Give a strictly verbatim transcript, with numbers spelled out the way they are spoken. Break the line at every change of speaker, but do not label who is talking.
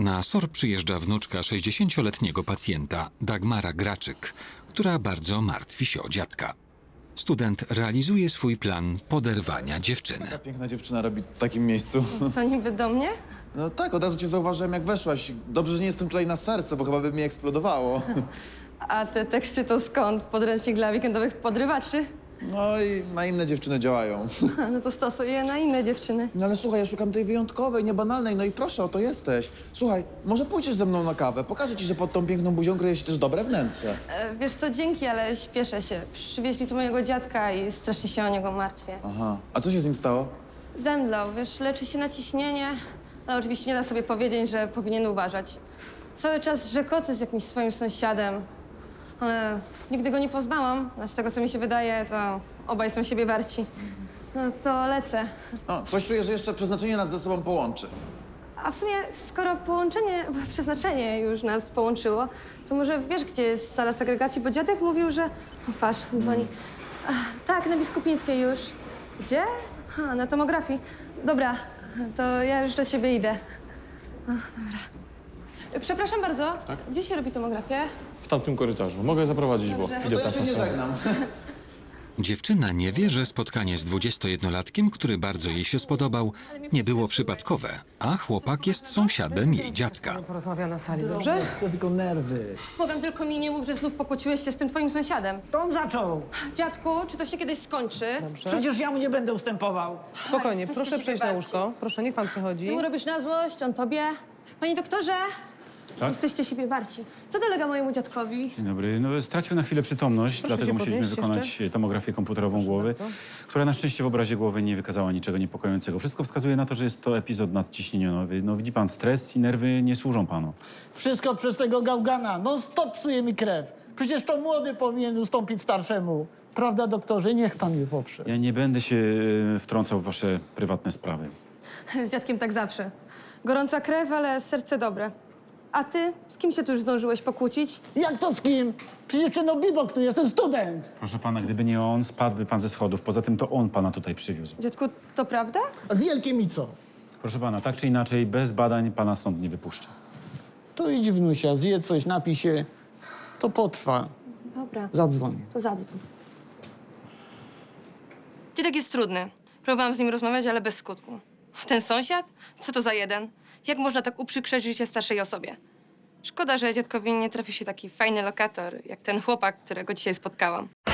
Na S O R przyjeżdża wnuczka sześćdziesięcioletniego pacjenta, Dagmara Graczyk, która bardzo martwi się o dziadka. Student realizuje swój plan poderwania dziewczyny.
Ta piękna dziewczyna robi w takim miejscu.
To niby do mnie?
No tak, od razu cię zauważyłem, jak weszłaś. Dobrze, że nie jestem tutaj na serce, bo chyba by mi eksplodowało.
A te teksty to skąd? Podręcznik dla weekendowych podrywaczy?
No i na inne dziewczyny działają.
No to stosuję je na inne dziewczyny.
No ale słuchaj, ja szukam tej wyjątkowej, niebanalnej, no i proszę, oto jesteś. Słuchaj, może pójdziesz ze mną na kawę? Pokażę ci, że pod tą piękną buzią kryje się też dobre wnętrze.
E, wiesz co, dzięki, ale śpieszę się. Przywieźli tu mojego dziadka i strasznie się o niego martwię.
Aha, a co się z nim stało?
Zemdlał, wiesz, leczy się na ciśnienie, ale oczywiście nie da sobie powiedzieć, że powinien uważać. Cały czas rzekoty z jakimś swoim sąsiadem, ale nigdy go nie poznałam, a z tego, co mi się wydaje, to obaj są siebie warci. No to lecę.
O, coś czuję, że jeszcze przeznaczenie nas ze sobą połączy.
A w sumie, skoro połączenie, przeznaczenie już nas połączyło, to może wiesz, gdzie jest sala segregacji? Bo dziadek mówił, że... O, patrz, dzwoni. Ach, tak, na Biskupińskiej już. Gdzie? Ha, na tomografii. Dobra, to ja już do ciebie idę. O, dobra. Przepraszam bardzo,
Tak?
gdzie się robi tomografię?
W tamtym korytarzu. Mogę zaprowadzić, bo
Dobrze.
No
idę
to ja
tam
się nie
po stronę.
żegnam.
Dziewczyna nie wie, że spotkanie z dwudziestojednolatkiem, który bardzo jej się spodobał, nie było przypadkowe, a chłopak jest sąsiadem jej dziadka.
Porozmawia na sali, dobrze?
To tylko nerwy.
Bogam, tylko mi nie mów, że znów pokłóciłeś się z tym twoim sąsiadem.
To on zaczął.
Dziadku, czy to się kiedyś skończy?
Dobrze.
Przecież ja mu nie będę ustępował.
Spokojnie,
Jesteście
proszę
siebie
przejść na
bardziej.
łóżko. Proszę, niech pan przechodzi.
Ty mu robisz na złość, on tobie. Panie doktorze,
Tak?
jesteście siebie warci. Co dolega mojemu dziadkowi?
Dzień dobry. No, stracił na chwilę przytomność,
Proszę
dlatego
się
musieliśmy
podnieść
wykonać
jeszcze.
tomografię komputerową głowy,
bardzo.
która na szczęście w obrazie głowy nie wykazała niczego niepokojącego. Wszystko wskazuje na to, że jest to epizod nadciśnieniowy. No widzi pan, stres i nerwy nie służą panu.
Wszystko przez tego gałgana. No stop, psuje mi krew. Przecież to młody powinien ustąpić starszemu. Prawda, doktorze? Niech pan mnie poprze.
Ja nie będę się e, wtrącał w wasze prywatne sprawy.
Z dziadkiem tak zawsze. Gorąca krew, ale serce dobre. A ty? Z kim się tu już zdążyłeś pokłócić?
Jak to z kim? Przecież no bibok tu jestem student.
Proszę pana, gdyby nie on, spadłby pan ze schodów. Poza tym to on pana tutaj przywiózł.
Dziadku, to prawda?
A wielkie mi co?
Proszę pana, tak czy inaczej, bez badań pana stąd nie wypuszczę.
To idź wnusia, zje coś, napij się. To potrwa.
Dobra,
Zadzwoń.
to zadzwoń. Dziadek jest trudny. Próbowałam z nim rozmawiać, ale bez skutku. Ten sąsiad? Co to za jeden? Jak można tak uprzykrzeć życie starszej osobie? Szkoda, że dziadkowi nie trafi się taki fajny lokator, jak ten chłopak, którego dzisiaj spotkałam.